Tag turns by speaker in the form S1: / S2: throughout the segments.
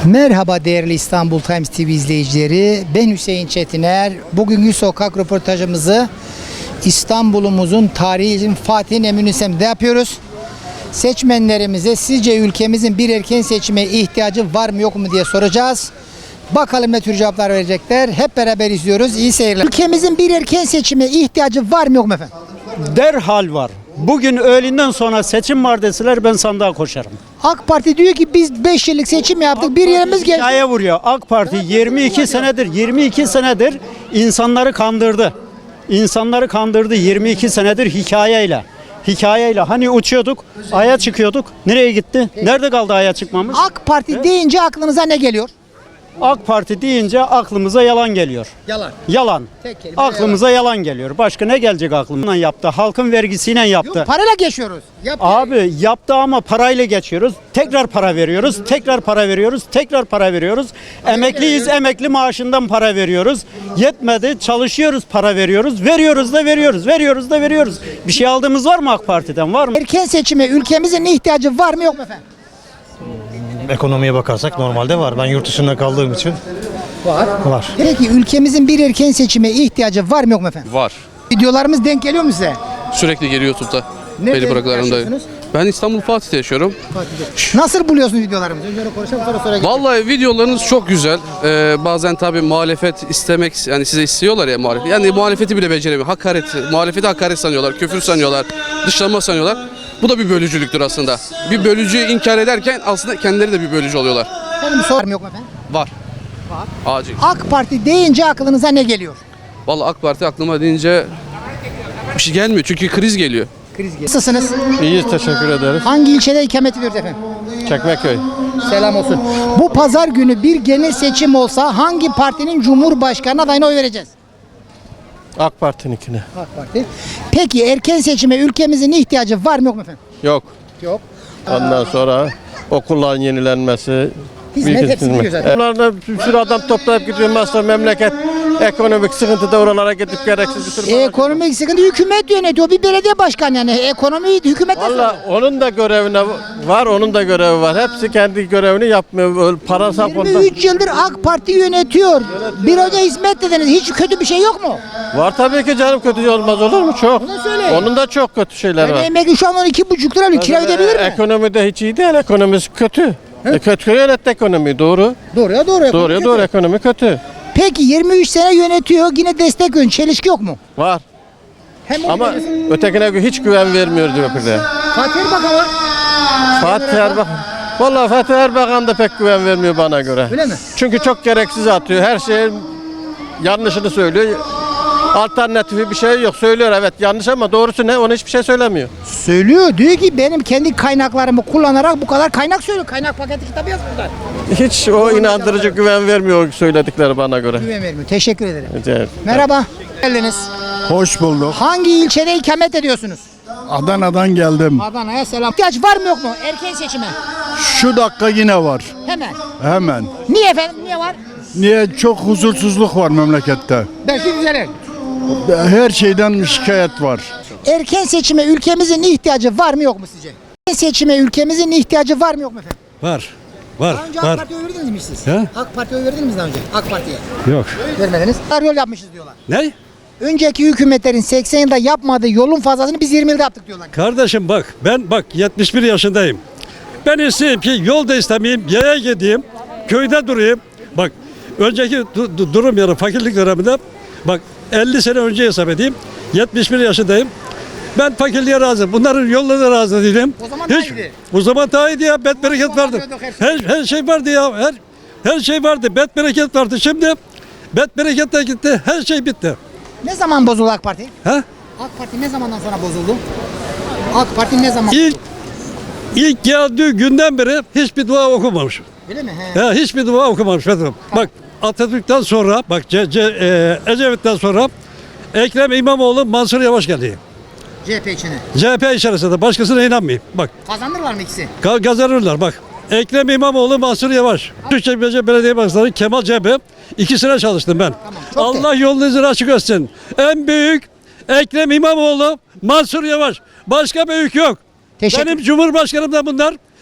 S1: Merhaba değerli İstanbul Times TV izleyicileri. Ben Hüseyin Çetiner. Bugünkü sokak röportajımızı İstanbul'umuzun tarihi Fatih Eminönü semtinde yapıyoruz. Seçmenlerimize sizce ülkemizin bir erken seçime ihtiyacı var mı yok mu diye soracağız. Bakalım ne tür cevaplar verecekler. Hep beraber izliyoruz. İyi seyirler. Ülkemizin bir erken seçime ihtiyacı var mı yok mu efendim?
S2: Derhal var. Bugün öğlenden sonra seçim var deseler ben sandığa koşarım.
S1: AK Parti diyor ki biz 5 yıllık seçim yaptık. Bir yerimiz geldi.
S2: Hikaye vuruyor. AK Parti 22 senedir insanları kandırdı. İnsanları kandırdı 22 senedir hikayeyle. Hikayeyle hani uçuyorduk, aya çıkıyorduk. Nereye gitti? Nerede kaldı aya çıkmamız?
S1: AK Parti deyince aklınıza ne geliyor?
S2: AK Parti deyince aklımıza yalan geliyor.
S1: Yalan.
S2: Yalan.
S1: Tek kelime
S2: Aklımıza yalan geliyor. Başka ne gelecek aklımdan yaptı? Halkın vergisiyle yaptı.
S1: Yok, parayla geçiyoruz.
S2: Abi yaptı ama parayla geçiyoruz. Tekrar para veriyoruz. Tekrar para veriyoruz. Tekrar para veriyoruz. Emekliyiz. Emekli maaşından para veriyoruz. Yetmedi. Çalışıyoruz. Para veriyoruz. Veriyoruz da veriyoruz. Veriyoruz da veriyoruz. Bir şey aldığımız var mı AK Parti'den? Var mı?
S1: Erken seçime ülkemizin ihtiyacı var mı yok mu efendim?
S3: Ekonomiye bakarsak normalde var. Ben yurt dışında kaldığım için var.
S1: Peki ülkemizin bir erken seçime ihtiyacı var mı yok mu efendim?
S4: Var.
S1: Videolarımız denk geliyor mu size?
S4: Sürekli geliyor YouTube'da.
S1: Nerede
S4: Belli bırakılarımda.
S1: yaşıyorsunuz?
S4: Ben İstanbul Fatih'te yaşıyorum.
S1: Nasıl buluyorsunuz videolarımızı? Önce öyle konuşalım sonra geçelim.
S4: Vallahi videolarınız çok güzel. Bazen tabii muhalefet istemek, yani size istiyorlar ya muhalefet. Yani muhalefeti bile beceremiyor. Muhalefeti hakaret sanıyorlar, küfür sanıyorlar, dışlama sanıyorlar. Bu da bir bölücülüktür aslında. Bir bölücüyü inkar ederken aslında kendileri de bir bölücü oluyorlar.
S1: Efendim sor mu yok mu efendim?
S4: Var. Acil.
S1: AK Parti deyince aklınıza ne geliyor?
S4: Vallahi AK Parti aklıma deyince bir şey gelmiyor çünkü kriz geliyor.
S1: Kriz geliyor. Nasılsınız?
S3: İyiyiz, teşekkür ederiz.
S1: Hangi ilçede ikamet ediyoruz efendim?
S3: Çekmeköy.
S1: Selam olsun. Bu pazar günü bir genel seçim olsa hangi partinin cumhurbaşkanı adayına oy vereceğiz?
S3: AK Parti'ninkine.
S1: AK Parti. Peki erken seçime ülkemizin ihtiyacı var mı yok mu efendim?
S3: Yok.
S1: Yok.
S3: Ondan sonra okulların yenilenmesi.
S1: Hizmet
S3: büyük
S1: hepsi
S3: hizmet.
S1: gidiyor zaten.
S3: Onlarla bir sürü adam toplayıp gidiyor. Mesela memleket ekonomik sıkıntıda oralara gidip gereksiz bir sürü...
S1: Ekonomik sıkıntı hükümet yönetiyor. Bir belediye başkanı yani. Ekonomiyi hükümet
S3: Valla onun da görevine var, onun da görevi var. Hepsi kendi görevini yapmıyor. Öyle para sapında.
S1: 23 yıldır AK Parti yönetiyor. Bir hoca hizmet dediniz. Hiç kötü bir şey yok mu?
S3: Var tabii ki canım, kötü olmaz olur mu? Çok.
S1: Bunu söyleyin.
S3: Onun da çok kötü şeyler
S1: Yani
S3: var.
S1: emekli şu an 12,5 lira alıyor. Kira ödeyebilir mi?
S3: Ekonomide hiç iyi değil, ekonomisi kötü. Kötü yönetti ekonomiyi, doğru.
S1: Doğruya doğru.
S3: Doğruya doğru, ekonomi kötü.
S1: Peki 23 sene yönetiyor. Yine destek ön. Çelişki yok mu?
S3: Var.
S1: Hem
S3: Ama ötekine hiç güven vermiyor diyor bir de.
S1: Fatih Erbakan var.
S3: Fatih Erbakan. Vallahi Fatih Erbakan da pek güven vermiyor bana göre.
S1: Öyle mi?
S3: Çünkü çok gereksiz atıyor. Her şeyin yanlışını söylüyor. Alternatifi bir şey yok. Söylüyor evet yanlış ama doğrusu ne? Onu hiçbir şey söylemiyor.
S1: Söylüyor. Diyor ki benim kendi kaynaklarımı kullanarak bu kadar kaynak söylüyor. Kaynak paketi kitabı yazmışlar.
S3: Hiç o inandırıcı güven vermiyor söyledikleri bana göre.
S1: Güven vermiyor. Teşekkür ederim.
S3: Evet.
S1: Merhaba. Geldiniz.
S5: Hoş bulduk.
S1: Hangi ilçede ikamet ediyorsunuz?
S5: Adana'dan geldim.
S1: Adana'ya selam. İhtiyaç var mı yok mu? Erken seçime.
S5: Şu dakika yine var.
S1: Hemen.
S5: Hemen.
S1: Niye efendim? Niye var?
S5: Niye? Çok huzursuzluk var memlekette.
S1: Belki düzelir.
S5: Her şeyden şikayet var.
S1: Erken seçime ülkemizin ihtiyacı var mı yok mu sizce? Erken seçime ülkemizin ihtiyacı var mı yok mu efendim?
S6: Var. Var.
S1: Daha önce AK
S6: Var.
S1: Parti'ye oy verdiniz mi siz?
S6: He?
S1: AK Parti'ye oy verdiniz mi daha önce? AK Parti'ye.
S6: Yok.
S1: Vermediniz. Yol yapmışız diyorlar.
S6: Ne?
S1: Önceki hükümetlerin 80 yılda yapmadığı yolun fazlasını biz 20 yılda yaptık diyorlar.
S6: Kardeşim bak ben 71 yaşındayım. Ben isteyeyim ki yolda istemeyeyim, yaya gideyim, köyde durayım. Bak önceki durum yarı fakirlik döneminde bak 50 sene önce hesap edeyim. 71 yaşındayım. Ben fakirliğe razı. Bunların yollarına razı değilim.
S1: O zaman daha iyiydi.
S6: O zaman daha iyiydi ya. Bet bereket vardı. Her şey vardı ya. Her şey vardı. Bet bereket vardı. Şimdi bet bereket de gitti. Her şey bitti.
S1: Ne zaman bozuldu AK Parti?
S6: Ha?
S1: AK Parti ne zamandan sonra bozuldu? AK Parti ne zaman
S6: İlk
S1: bozuldu?
S6: İlk geldiği günden beri hiçbir dua okumamış.
S1: Öyle mi? He.
S6: Hiçbir dua okumamış. Bak Atatürk'ten sonra, bak Ecevit'ten sonra Ekrem İmamoğlu, Mansur Yavaş geldi.
S1: CHP içine.
S6: CHP içerisinde başkasına inanmayayım. Bak
S1: Kazanırlar mı ikisi?
S6: kazanırlar bak. Ekrem İmamoğlu, Mansur Yavaş. Türkçe Belediye Başkanı Kemal CHP. İkisine çalıştım ben.
S1: çok
S6: Allah yolunuzu açık etsin. En büyük Ekrem İmamoğlu, Mansur Yavaş. Başka büyük yok.
S1: Teşekkür.
S6: Benim Cumhurbaşkanım da bunlar.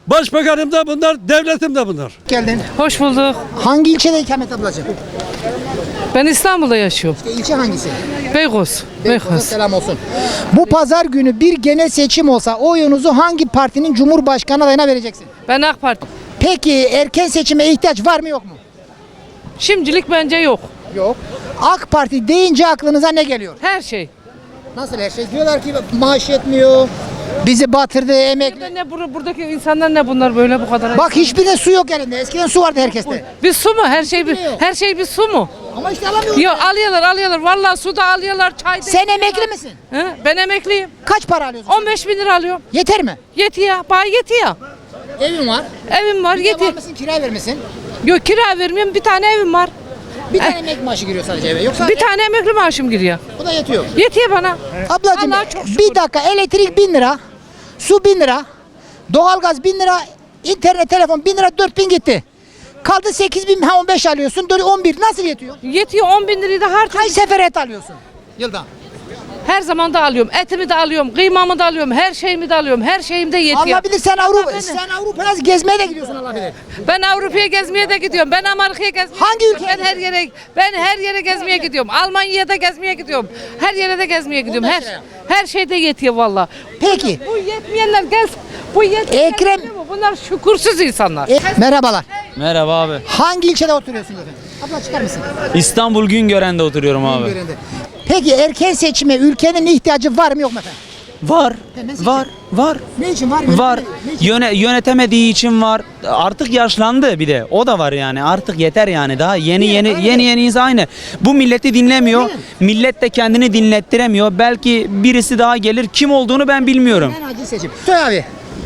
S6: Başbakanım da bunlar, devletim de bunlar.
S1: Geldin.
S7: Hoş bulduk.
S1: Hangi ilçede ikamet ablacığım?
S7: Ben İstanbul'da yaşıyorum.
S1: İlçe hangisi?
S7: Beykoz.
S1: Beykoz'a
S7: Beykoz.
S1: selam olsun. Bu pazar günü bir genel seçim olsa oyunuzu hangi partinin cumhurbaşkanı adayına vereceksin?
S7: Ben AK Parti.
S1: Peki erken seçime ihtiyaç var mı yok mu?
S7: Şimdilik bence yok.
S1: Yok. AK Parti deyince aklınıza ne geliyor?
S7: Her şey.
S1: Nasıl her şey? Diyorlar ki maaş yetmiyor. Bizi batırdı emekli.
S7: Ne buradaki insanlar ne bunlar böyle bu kadar?
S1: Bak hiçbirinde su yok elinde. Eskiden su vardı herkeste.
S7: Bir su mu? Her şey bir su mu?
S1: Ama işte alamıyoruz.
S7: Yok alıyorlar. Vallahi su da alıyorlar, çay da.
S1: Sen emekli misin?
S7: He? Ben emekliyim.
S1: Kaç para alıyorsun?
S7: 15 bin lira alıyorum.
S1: Yeter mi?
S7: Yetiyor. Bana yetiyor.
S1: Evin var.
S7: Evim var,
S1: Var
S7: yetiyor.
S1: mısın? Kira vermesin.
S7: Yok kira vermiyorum. Bir tane evim var.
S1: Bir tane emek maaşı giriyor sadece eve. Yoksa
S7: Bir tane emekli maaşım giriyor.
S1: bu da yetiyor.
S7: Yetiyor bana.
S1: Ablacığım
S7: Allah'a çok şükür.
S1: bir dakika elektrik 1000 lira. Su 1000 lira. Doğalgaz 1000 lira. İnternet telefon 1000 lira 4000 gitti. Kaldı 8000 ha 15 alıyorsun. 11 nasıl yetiyor?
S7: Yetiyor 10 bin lirayı da harcıyorum.
S1: Kaç sefer et alıyorsun? Yılda.
S7: Her zaman da alıyorum. Etimi de alıyorum, kıymamı da alıyorum, her şeyimi de alıyorum. Her şeyim de yetiyor.
S1: Allah bilir sen Avrupa
S7: Ben-
S1: sen Avrupa'ya gezmeye de gidiyorsun Allah bilir.
S7: Ben Avrupa'ya gezmeye de gidiyorum. Ben Amerika'ya gezmeye
S1: Hangi
S7: gidiyorum.
S1: ülkeye
S7: Ben her yere gezmeye gidiyorum. Almanya'da gezmeye gidiyorum. Her yere de gezmeye gidiyorum. Her şeyde yetiyor valla.
S1: Peki.
S7: Bu yetmeyenler gelsin. Bu yetmeyenler
S1: Ekrem-
S7: biliyor musun? Bunlar şükürsüz insanlar.
S1: Merhabalar.
S8: Merhaba abi.
S1: Hangi ilçede oturuyorsunuz efendim? Abla çıkar mısın?
S8: İstanbul Güngören'de oturuyorum abi.
S1: Güngören'de. Peki erken seçime ülkenin ihtiyacı var mı yok mu efendim?
S8: Var.
S1: Hemen seçim.
S8: Var.
S1: Ne için var?
S8: Var.
S1: Ne için?
S8: Yönetemediği için var. Artık yaşlandı bir de. O da var yani. Artık yeter yani. Daha yeni insan aynı. Bu milleti dinlemiyor. Millet de kendini dinlettiremiyor. Belki birisi daha gelir. Kim olduğunu ben bilmiyorum.
S1: En acil seçim. Söyle abi.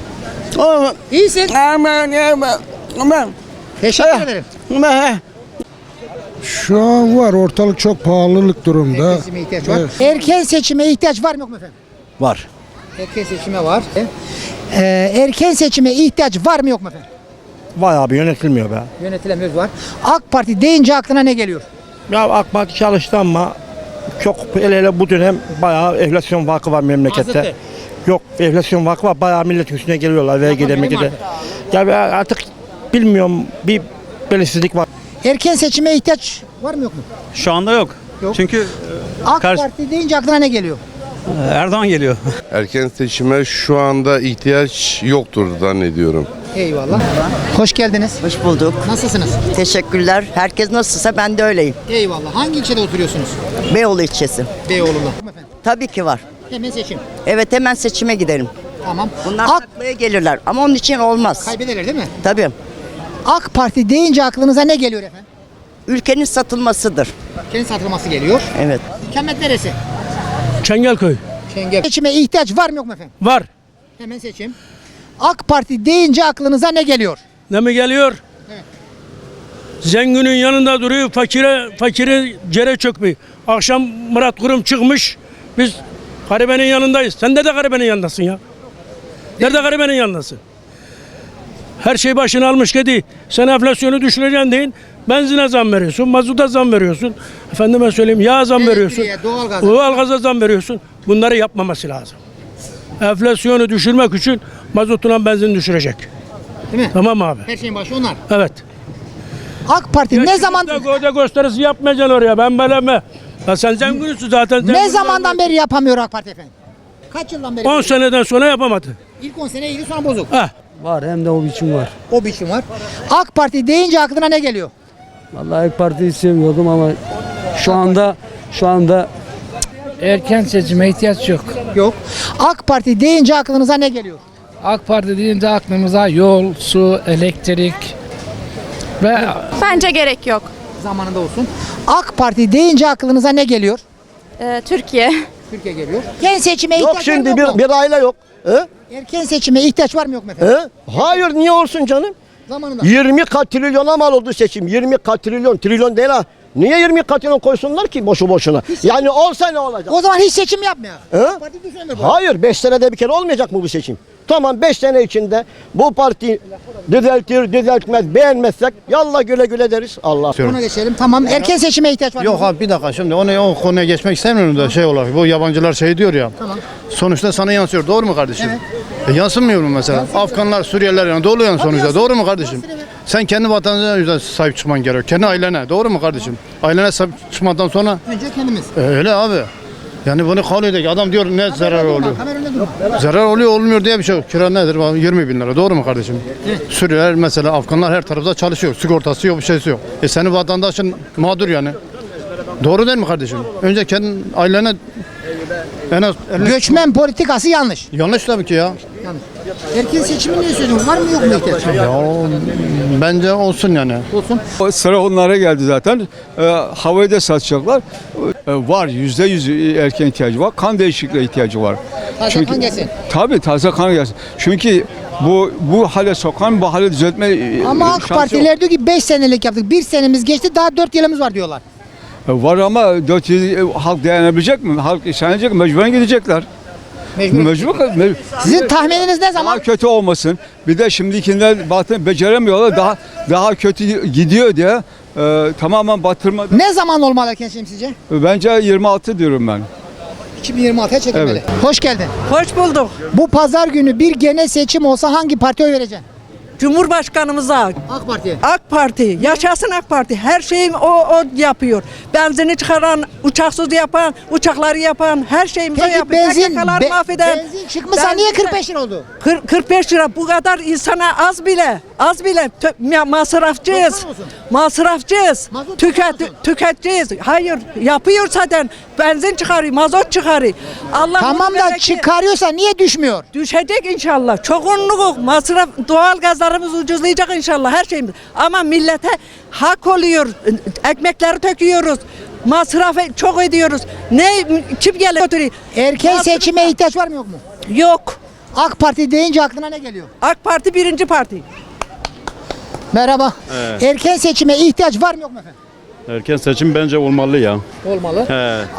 S1: İyisin. Teşekkür ederim.
S9: Şu an var, ortalık çok pahalılık durumda.
S1: Erken seçime ihtiyaç var. Erken seçime ihtiyaç var mı yok mu efendim?
S5: Var.
S1: Erken seçime var. Erken seçime ihtiyaç var mı yok mu efendim?
S10: Vay abi yönetilmiyor be.
S1: Yönetilemiyoruz var. AK Parti deyince aklına ne geliyor?
S10: Ya AK Parti çalıştı ama çok hele bu dönem bayağı enflasyon vakı var memlekette.
S1: Azıttı.
S10: Yok enflasyon vakı var bayağı milletin üstüne geliyorlar vergide
S1: benim
S10: megide.
S1: vardı.
S10: Ya ben artık bilmiyorum bir belirsizlik var.
S1: Erken seçime ihtiyaç var mı yok mu?
S2: Şu anda yok.
S1: Yok.
S2: Çünkü
S1: AK
S2: Karşı-
S1: Parti deyince aklına ne geliyor?
S2: Erdoğan geliyor.
S11: Erken seçime şu anda ihtiyaç yoktur zannediyorum.
S1: Eyvallah. Hoş geldiniz.
S12: Hoş bulduk.
S1: Nasılsınız?
S12: Teşekkürler. Herkes nasılsa ben de öyleyim.
S1: Eyvallah. Hangi ilçede oturuyorsunuz?
S12: Beyoğlu ilçesi.
S1: Beyoğlu'nda. Efendim.
S12: Tabii ki var.
S1: Hemen seçim.
S12: Evet hemen seçime gidelim.
S1: Tamam.
S12: Bunlar
S1: AK
S12: taklaya gelirler ama onun için olmaz.
S1: kaybederler değil mi?
S12: Tabii.
S1: AK Parti deyince aklınıza ne geliyor efendim?
S12: Ülkenin satılmasıdır.
S1: Kendi satılması geliyor.
S12: Evet.
S1: İkamet neresi?
S10: Çengelköy.
S1: Çengel. Seçime ihtiyaç var mı yok mu efendim?
S10: Var.
S1: Hemen seçim. AK Parti deyince aklınıza ne geliyor?
S6: Ne mi geliyor?
S1: Evet.
S6: Zenginin yanında duruyor, fakire cere çökmüyor. Akşam Murat Kurum çıkmış, biz garibenin yanındayız. Sen de garibenin yanındasın ya. Nerede garibenin yanındasın? Her şey başını almış kedi. Sen enflasyonu düşüreceksin deyin. Benzine zam veriyorsun, mazuta zam veriyorsun. Efendime söyleyeyim yağ zam veriyorsun.
S1: Elektriğe, doğalgaza.
S6: Doğalgaza zam veriyorsun. Bunları yapmaması lazım. Enflasyonu düşürmek için mazotuna benzin düşürecek.
S1: Değil mi?
S6: Tamam abi.
S1: Her şeyin başı onlar.
S6: Evet.
S1: AK Parti ne zaman
S6: Gövde gösterisi yapmayacaksın oraya. Ben böyle mi? Ya sen zenginsin zaten.
S1: ne zamandan beri yapamıyor AK Parti efendim? Kaç yıldan beri?
S6: 10 seneden sonra yapamadı.
S1: İlk 10 sene iyiydi sonra bozuk.
S6: Heh.
S9: Var, hem de o biçim var.
S1: O biçim var. AK Parti deyince aklına ne geliyor?
S9: Vallahi AK Parti'yi sevmiyordum ama şu anda
S13: Erken seçime ihtiyaç yok.
S1: Yok. AK Parti deyince aklınıza ne geliyor?
S13: AK Parti deyince aklımıza yol, su, elektrik ve
S14: Bence gerek yok.
S1: Zamanında olsun. AK Parti deyince aklınıza ne geliyor?
S14: Türkiye.
S1: Türkiye geliyor. Erken seçime ihtiyaç var mı yok mu?
S10: bir aile yok.
S1: Erken seçime ihtiyaç var mı yok mu efendim?
S10: Hayır niye olsun canım?
S1: Zamanında.
S10: 20 trilyona mal oldu seçim. 20 trilyon değil ha. Niye 20 trilyon koysunlar ki boşu boşuna? Yani olsa ne olacak?
S1: O zaman hiç seçim yapmıyor.
S10: He?
S1: AK Parti düşünmüyor bu.
S10: Hayır 5 senede bir kere olmayacak mı bu seçim? Tamam 5 sene içinde bu parti düzeltmez beğenmezsek yallah güle güle deriz. Allah.
S1: Buna geçelim. Tamam. Erken seçime ihtiyaç var mı?
S5: Yok abi bir dakika şimdi o konuya geçmek istemiyorum da şey olarak bu yabancılar şey diyor ya.
S1: Tamam.
S5: Sonuçta sana yansıyor. Doğru mu kardeşim?
S1: Evet.
S5: Yansımıyor mu mesela? Afganlar, Suriyeliler yani doluyor sonuçta. Doğru mu kardeşim? Sen kendi vatanına yüzden sahip çıkman gerekiyor. Kendi ailene. Doğru mu kardeşim? Ailene sahip çıkmadan sonra
S1: Önce kendimiz.
S5: öyle abi. Yani bunu kabul edecek. Adam diyor ne zarar oluyor.
S1: Kamera önünde durma.
S5: Zarar oluyor olmuyor diye bir şey yok. Kira nedir? 20 bin lira. Doğru mu kardeşim? Suriyeliler mesela Afganlar her tarafta çalışıyor. Sigortası yok, bir şeysi yok. Senin vatandaşın mağdur yani. Doğru değil mi kardeşim? Önce kendi ailene en az
S1: Göçmen politikası yanlış.
S5: yanlış tabii ki ya.
S1: Erken seçimi niye söylüyorsun? Var mı yok mu ihtiyaç?
S5: Ya bence olsun yani.
S1: Olsun.
S9: Sıra onlara geldi zaten. Havayı da satacaklar. Var %100 erken ihtiyacı var. Kan değişikliğe ihtiyacı var.
S1: Taze kan gelsin.
S9: Tabii taze kan gelsin. Çünkü bu hale sokan bu hale düzeltme
S1: Ama AK Partiler diyor ki 5 senelik yaptık. 1 senemiz geçti, daha 4 yılımız var diyorlar.
S9: var ama 4 yıl halk dayanabilecek mi? Halk isyanlayacak mı? Mecburen gidecekler. Mecbur.
S1: Sizin tahmininiz ne zaman?
S9: Daha kötü olmasın. Bir de şimdikinden beceremiyorlar. Daha kötü gidiyor diye tamamen batırma.
S1: Ne zaman olmalı erken seçim sizce?
S9: Bence 26 diyorum ben.
S1: 2026'ya çekilmeli.
S9: Evet.
S1: Hoş geldin.
S7: Hoş bulduk.
S1: Bu pazar günü bir genel seçim olsa hangi partiye oy vereceksin?
S7: Cumhurbaşkanımıza
S1: AK Parti'ye.
S7: AK Parti, yaşasın AK Parti. Her şeyi o yapıyor. Benzini çıkaran, uçaksız yapan, uçakları yapan, her şeyimizi
S1: Peki
S7: yapıyor. PKK'lar mahveden.
S1: benzin çıkmışsa niye 45 lira oldu?
S7: 45 lira bu kadar insana az bile masrafçıyız. Masrafçıyız.
S1: Mazot çıkarmıyorsun.
S7: Tüketeceğiz. Hayır yapıyor zaten. Benzin çıkarıyor, mazot çıkarıyor. Allah
S1: Tamam da çıkarıyorsa niye düşmüyor?
S7: düşecek inşallah. Çoğunluğu masraf, doğal gazlarımız ucuzlayacak inşallah her şeyimiz. Ama millete hak oluyor. Ekmekleri döküyoruz. Masrafı çok ediyoruz. Kim geliyor götürüyor?
S1: Erken seçime ihtiyaç var mı yok mu?
S7: Yok.
S1: AK Parti deyince aklına ne geliyor?
S7: AK Parti birinci parti.
S1: Merhaba. Erken seçime ihtiyaç var mı yok mu efendim?
S6: Erken seçim bence olmalı ya.
S1: Olmalı.